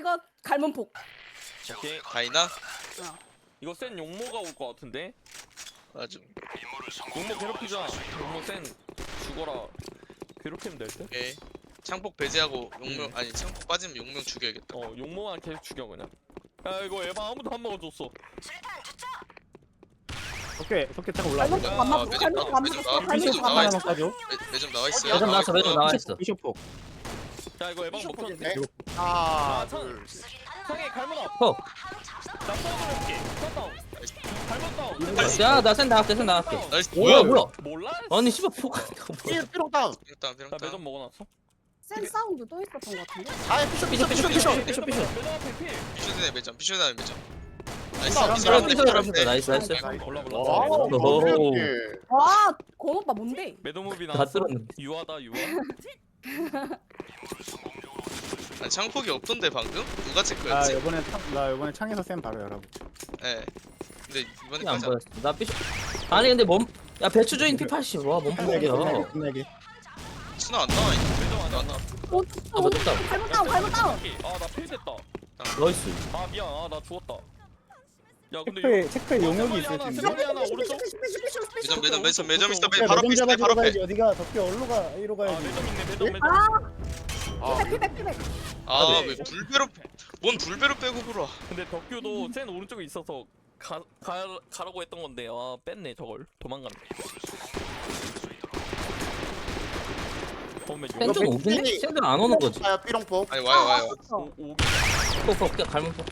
이거 갈문폭. 오케이 가이나? 이거 센 용모가 올 것 같은데? 맞아. 용모 괴롭히자. 용모 센 죽어라. 괴롭히면 될 듯? 오케이. 창폭 배제하고 용명 아니 창폭 빠지면 용명 죽여야겠다. 용모만 계속 죽여 그냥. 야 이거 에바 아무도 안 먹어줬어. 오케이 도끼 타고 올라가. 갈문폭 안 맞고 갈문폭 안 맞고 매점 갈문폭 나와 안 있어. 맞고. 가죠. 매점 나와 있어요. 매점 나왔어 매점 나와있어. 비숍폭. 야 이거 에바 먹혔는데? 하나 둘. 둘 성에 갈문 앞. 퍽. 나 쏘아서 해볼게. 쐈다. 갈문 다운. 야나센 나갈게 센 나갈게. 나이스. 뭐야 뭐야? 뭐야? 몰라? 아니 씨발 폭. 뭐야? 삐롱 다운 일단 나 일단. 매점 먹어놨어. 센 사운드 또 있었던 것 같은데. 아예 피쇼 피쇼 피쇼 피쇼 매점 앞에 필. 비쇼드네 매점. 비쇼드네 매점. 나이스. 아, 비쇼드네 삐뚤어 매점. 나이스 나이스. 몰라 몰라. 와우 오호. 와, 권 오빠 뭔데? 매도무비 다 나왔어. 뚫었는데. 유아다 유아. 아니, 창폭이 없던데 방금? 누가 나 체크했지? 이번에 창에서 쌤 바로 열어보. 예. 근데 안 이번에까지 보였어. 나 삐쇼. 아니 근데 야 배추 조인 P80 와 몸폭이야. 끝내기. 수나 안 나와 있는데. 매점 안 나왔나? 아 맞다. 갈문 다운, 갈문 다운. 아나 필 됐다. 나이스. 아 미안. 나 죽었다. 야 근데 체크에 용역이 있을 하나, 텐데. 세번이 하나 오른쪽. 매점 있어. 야, 바로 앞에 있어. 잡아주러 바로 앞에. 가야지. 어디가 덕기 어디로 가? A로 아 가야지. 매점 있네 매점. 피백. 아 네. 왜 불배로 뭔 불배로 빼고 불어? 근데 덕규도 센 오른쪽에 있어서 가라고 했던 건데 아 뺐네 저걸 도망갔네. 그러면 센좀 오긴데? 센들 안 오는 거지. 아야 삐롱폭 아니 와요. 오기 폭폭 그냥 갈면 폭.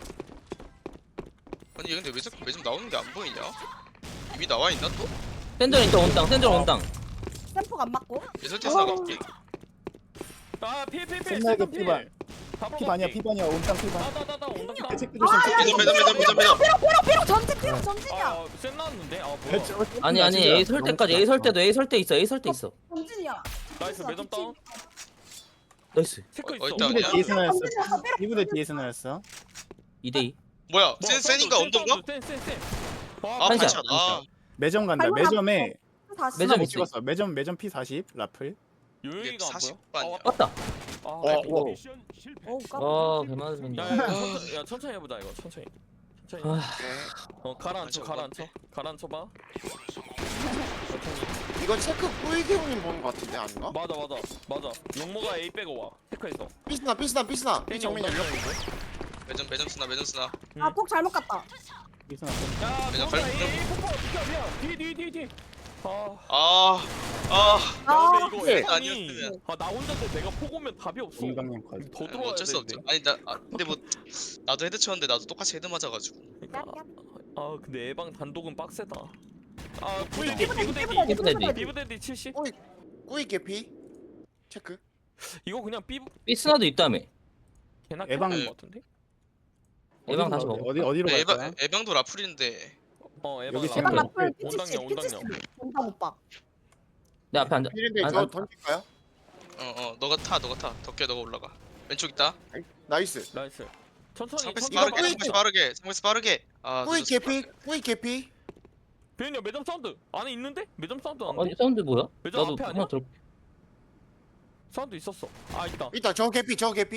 아니 얘 근데 왜 자꾸 매점 나오는 게 안 보이냐? 이미 나와 있나 또? 센들 일단 온당 센들 온당. 센폭 안 맞고. 예설태서 나갈게. 아필 센나게 피반. 피반이야 피반이야 온땅 피반. 나나나나 온다. 체크 조심. 매점. 피로 전진이야. 아센 나왔는데 아 뭐야. 아니 A 설 때까지 A 설 때도 A 설 때 있어 A 설 때 있어. 전진이야. 나이스 매점 다운. 나이스. 체크 어디 있어. 있다? 이분의 뒤에서 나였어. 전진이야. 이분의 뒤에서 나였어. 2대2. 뭐야? 센인가 언던가? 센. 아 한샷. 반샷. 아 매점 간다. 갈문 매점에 다시. 매점 못 있지. 찍었어. 매점 P40 라플. 요영이가 안 보여? 40반이야. 왔다. 아 우와. 어우, 와 개맞으면. 야 천천히 해보자 이거 천천히. 천천히. 아, 가라앉혀봐. 이건 체크 꾸이기 형님 보는 거 같은데 아닌가? 맞아. 용모가 A 빼고 와. 체크해서. 삐스나 삐 정민 열려 매점 쓰나. 아, 폭 잘못 갔다. 여기서 나왔어. 야, 그냥 도망가, 갈- A 폭포 비켜. 뒤. 아, 아 야, 근데 네. 이거 에반이 아니었으면. 나 혼자인데 내가 폭 오면 답이 없어. 공방님 컷. 더 들어와야 어쩔 수 되는데. 없죠. 아니 나 근데 뭐 나도 헤드 쳤는데 나도 똑같이 헤드 맞아가지고. 그러니까, 근데 에방 단독은 빡세다. 아, 뿌이, 비브데디 70. 꾸이 개피 체크 이거 그냥 삐스나도 있다며. 개나 에방- 것 같은데? 에방 다시 먹어. 어디로 갈 거야? 에방도 라플인데. 에방 여기 대박 챔피언. 라플 온당형. 온당 오빠. 내 앞에 앉아. 필인데 안- 저 안- 던질까요? 너가 타. 덕계 너가 올라가. 왼쪽 있다. 나이스 나이스. 천천히. 상패스 이거 빠르게. 뿌이- 상패스 빠르게. 아 꾸이 늦었어. 꾸이 개피 비현이 매점 사운드 안에 있는데? 매점 사운드 안 아니 돼? 사운드 뭐야? 매점 나도 앞에 하나 아니야? 들. 사운드 있었어. 아 있다. 있다 저 개피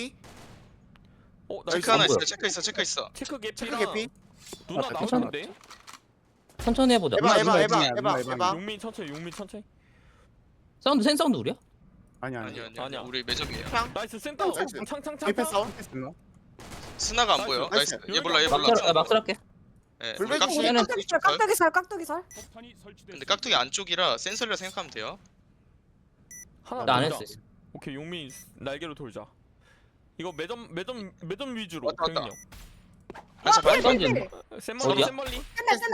나 체크 있어. 하나 뭐야? 있어. 체크 있어. 체크 체크 개피랑 개피 누나 아, 나오는데? 천천히 해보자. 에바 용민 천천히. 사운드 센 사운드 우리야? 아니. 아니야. 우리 매점이에요. 나이스 센터. 나이스. 창. 페이패스 스나가 안 보여. 나이스. 나이스. 얘 몰라. 막설할게. 예. 불백 깍두기 중에 깍두기 살. 근데 깍두기 안쪽이라 센서리라 생각하면 돼요. 하나 나 안 돌자. 했어. 오케이 용민 날개로 돌자. 이거 매점 위주로. 왔다. 병인이 형. 반샷 반. 사운드 센멀리. 어디야? 센멀리.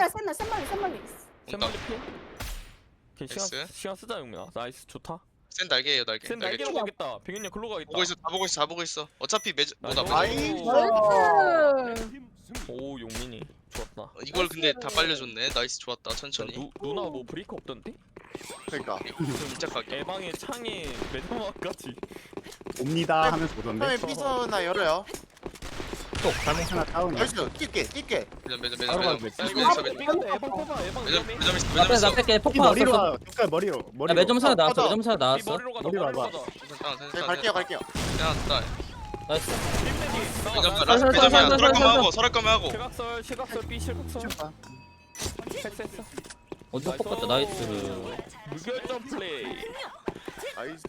센멀리 필. 오케이 나이스. 시간 쓰자 용민아. 나이스 좋다. 센 날개예요 날개. 센 날개로 가겠다. 병인이 형 글로 가겠다. 다 보고 있어. 어차피 뭐다 나이스. 매점. 오 용민이 좋았다. 이걸 근데 다 빨려줬네. 나이스 좋았다. 천천히. 누나 뭐 브레이크 없던데? 그러니까 진짜 가게. 에방의 창에 매점 앞까지. 옵니다 하면서 오던데. 형님 삐서나 열어요 또 하나 다운이야. 나이스 뛸게 매점. 바로 가도 돼. 에방 빼봐 에방 위험해. 매점 있어. 나 매점 뺄 있어. 나 뺄게. 이 폭파 머리로 왔어. 와. 덕가 머리로. 야 매점 사나 나왔어. 맞아. 매점 사나 이 나왔어. 머리로 가자 머리로 머리로 와봐. 가자. 네 갈게요 야, 나. 나이스. 립레디 매점이야. 설할 거면 하고. 실각설 B 실각설. 봐. 패스했어. 어디서 폭 갔다. 나이스. 무결점 플레이. 나이스.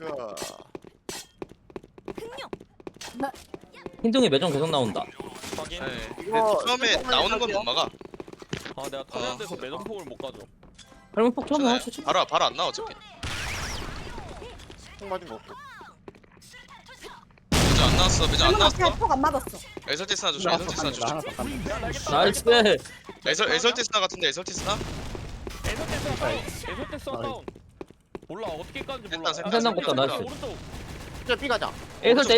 흰둥이 매점 계속 나온다. 확인. 네. 이거 근데 처음에 살짝 나오는 건 못 막아. 아 내가 터널에서 매점폭을 못 가져. 할머니 폭 쳐봐. 괜찮아요. 쳐. 바로 안 나와 어차피. 총 맞은 거 없고. 매점 안 나왔어. 매점 안 나왔어. 폭안 맞았어. 에설티스나 조심. 나 하나 에설티스나 더 조심. 깐다. 하나 더 깐다. 나이스. 에설티스나 같은데 에설티스나? 에설테스 다운. 몰라 어떻게 까는지 몰라. 센터, 센터 갔다, 나이스. 오른쪽. 저 B 가자. 에설대.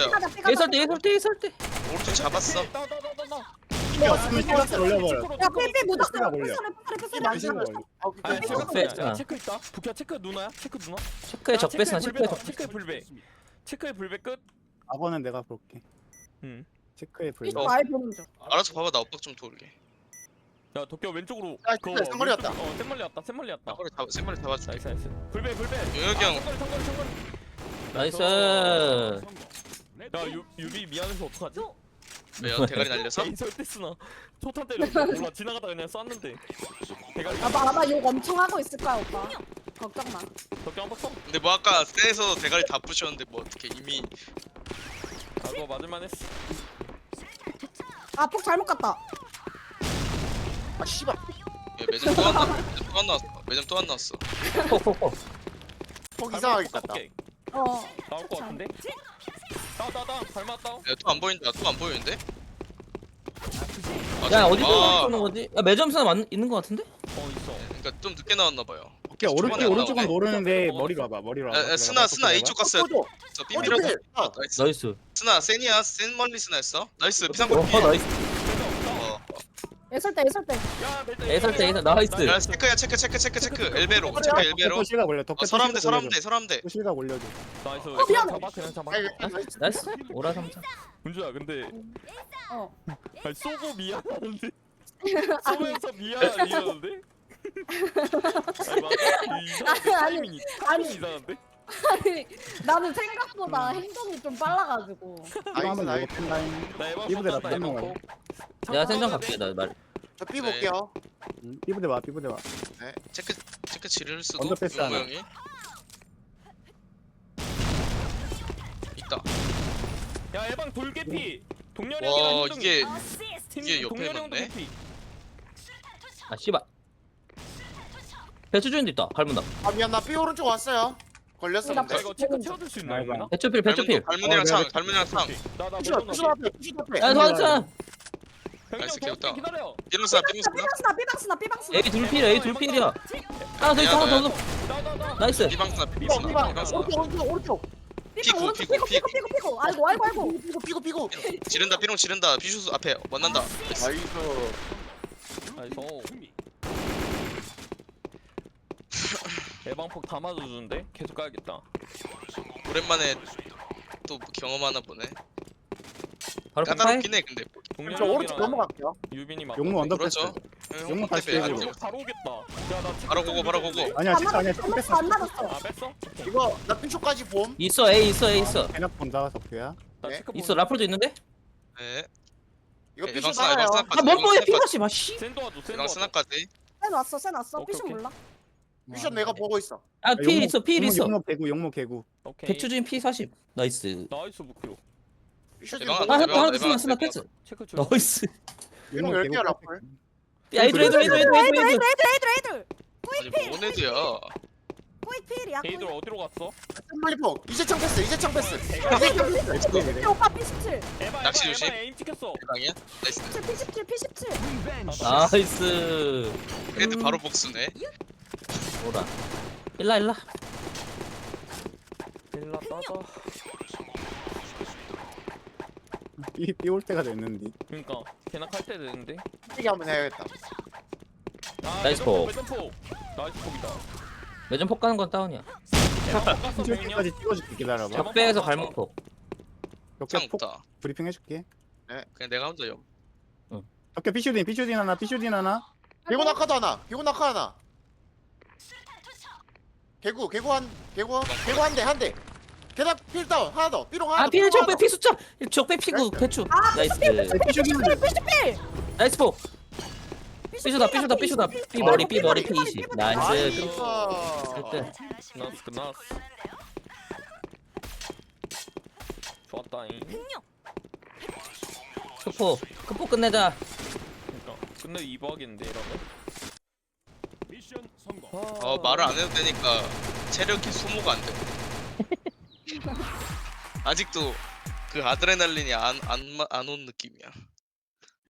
오른쪽 잡았어. 따따따따따. 실각설 올려버려. 야 삐삐 묻었어. 패스가 걸려. 패스를 맞은 맞은 거. 거. 아, 아 그 체크 체크 있다. 부캐 체크 누나야? 체크 누나? 체크에 적배스나 체크에 적. 체크의 불배. 체크의 불배 끝. 아버는 내가 볼게. 응. 체크에 불. 삐삐 아예 보는 중. 알아서 봐봐 나 엇박 좀 돌게. 야 도쿄 왼쪽으로. 아, 진짜 생머리 왔다. 생머리 왔다. 생머리 왔다. 생머리 잡아줄게. 나이스 나이스. 불배 불배. 용혁이 형. 성거리. 나이스. 야 유비 미안해서 어떡하지? 왜요? 대가리 날려서? 개인 설대스나 초탄 때렸어. 몰라 지나가다 그냥 쐈는데. 대가리. 아마 욕 엄청 하고 있을 거야 오빠. 걱정 마. 도쿄 한 박성. 근데 뭐 아까 쎄에서 대가리 다 부셨는데 뭐 어떻게 이미 아 그거 맞을만 했어. 아 폭 잘못 갔다. 아 씨발. 매점 또 안 나왔어. 매점 또 안 나왔어. 폭폭폭. 폭 이상하게 갔다. 어. 나올 것 같은데? 따 닮았다. 또 안 보인다. 또 안 보이는데? 아, 야 잠깐만. 어디서 쏘는 거지? 야 매점 스나 있는 거 같은데? 있어. 그러니까 좀 늦게 나왔나 봐요. 오케이 초반에 안 오른쪽은 나오네. 모르는데 먹었어. 머리로 와봐. 머리로 야, 와봐. 야, 스나 A 쪽 갔어요. 꺼줘. 저 삐삐로. 어디? 나이스. 나이스. 스나 센이야. 센 멀리 스나였어. 나이스. 비상골 피. 나이스. 어. 애설 때. 야 애설대, 나이스. 야 체크야 체크. 엘베로. 체크 엘베로. 덕후 실각 올려. 덕후 서람대. 덕후 실각 올려줘. 나이스. 미안해. 그냥 잡아. 나이스. 오라 삼자. 은주야 근데 어. 아니, 쏘고 미안한데 쏘면서 미안한데? 아니 맞아? 이상한데 타이밍이 이상한데? 아니 나는 생각보다 행동이 좀 빨라가지고. 이거 나이스 한번 나이스. 먹어 팬다잉. 나 에바 이브대 쏜다 나 에바 먹어야 콕. 내가 생전 갈게 나 말. 저 B 볼게요. 삐부대 봐. 삐부대 봐. 체크 지를 수도. 언더 패스 용모 하나. 형이. 있다. 야 에방 돌개피 동렬이 와 형이랑 이게 팀 이게 옆에 동렬이 형도 맞네? 개피. 아 씨발. 배추 주인도 있다. 밟는다. 아 미안 나 B 오른쪽 왔어요. 걸렸어 나 야 근데. 이거 체크 채워줄 수 있나 아이고. 이거? 배추필. 갈문이랑 창. 내가 갈문이랑 창. 나나 피셔 매점 피셔 앞에 피셔 앞에. 야 도와줘. 나이스, 형형 귀엽다. 기다려. 삐롱스나. 삐방스나. A 둘필이야. A 둘필이야. 하나 더 있어. 하나 더. 나나나. 나이스. 비방스나. 오른쪽 오른쪽. 피고. 피고. 아이고. 피고. 지른다. 삐롱 지른다. 비슈스 앞에 만난다. 나이스. 나이스. 에방폭 다 맞아주는데 계속 가야겠다. 오랜만에 또 경험하나 보네. 바로 폭파해. 까다롭긴 해 근데. 동렬이 저 오른쪽 형이랑 넘어갈게요. 유빈이 막. 용무 언더 그렇죠. 패스. 용모 다시 빼고. 바로 오겠다. 야나 바로 고고. 아니야 체크 아니야. 체크 뺐어. 안 맞았어. 아 뺐어? 이거 나 피쇼까지 봄. 있어. A 있어. 대낮 본다 덕후야. 나 네? 체크 있어. 라플도 있는데? 네. 이거 피쇼 에방스나. 나가요. 아 뭔 피가시 마 씨. 센 도와줘 센 에방 도와줘. 스나까지. 센 왔어. 오케이, 삐쇼 오케이. 몰라. 피쇼 내가 보고 있어. 아 필 있어. 필 있어. 용모 개구. 오케이. 배추 주인 P40. 나이스. 나이스 목표. 피쇼 에방 지금 아 에방, 하나 에방, 스나 에방. 패스. 체크 줘. 나이스. 삐롱 10개야 라플. 야 애들. 애들. 아니 뭔 애들야. 포이필이야. 게이들 어디로 갔어? 멀리포. 이재창 패스. 오빠 P17. 에바 낚시 조심. 에임 찍혔어. 대방이야? 나이스. P17. 나이스. 애들 바로 복수네. 뭐라. 일라. 일라 따다. 삐올 때가 됐는데. 그러니까 걔나 칼때 되는데. 이게 한번 해야겠다. 아, 나이스 폭. 매점폭. 나이스 폭이다. 매점 폭 가는 건 다운이야. 에바 폭 갔어 줄 병이야. 때까지 찍어줄게 기다려봐. 적배에서 갈목폭. 창 덕후 폭 없다. 브리핑 해줄게. 그냥 내가 혼자 요. 덕후 피슈딘 하나. 개구 낙하도 하나. 개구 낙하 하나. 개구 한 대. 계단 필 다운 하나 더 삐롱 하나 아 더 필 삐롱 하나 적배 더. 피 숫자 적배 피구 배추 나이스 피시필 나이스 포 삐쇼다 삐 머리 삐 20 나이스 아. 끝 끝났어. 좋았다잉. 크포 끝내자 그러니까 끝내 2부 하겠는데 이러면. 미션 성공. 말을 안 해도 되니까 체력이 소모가 안 돼. 아직도 그 아드레날린이 안 온 느낌이야.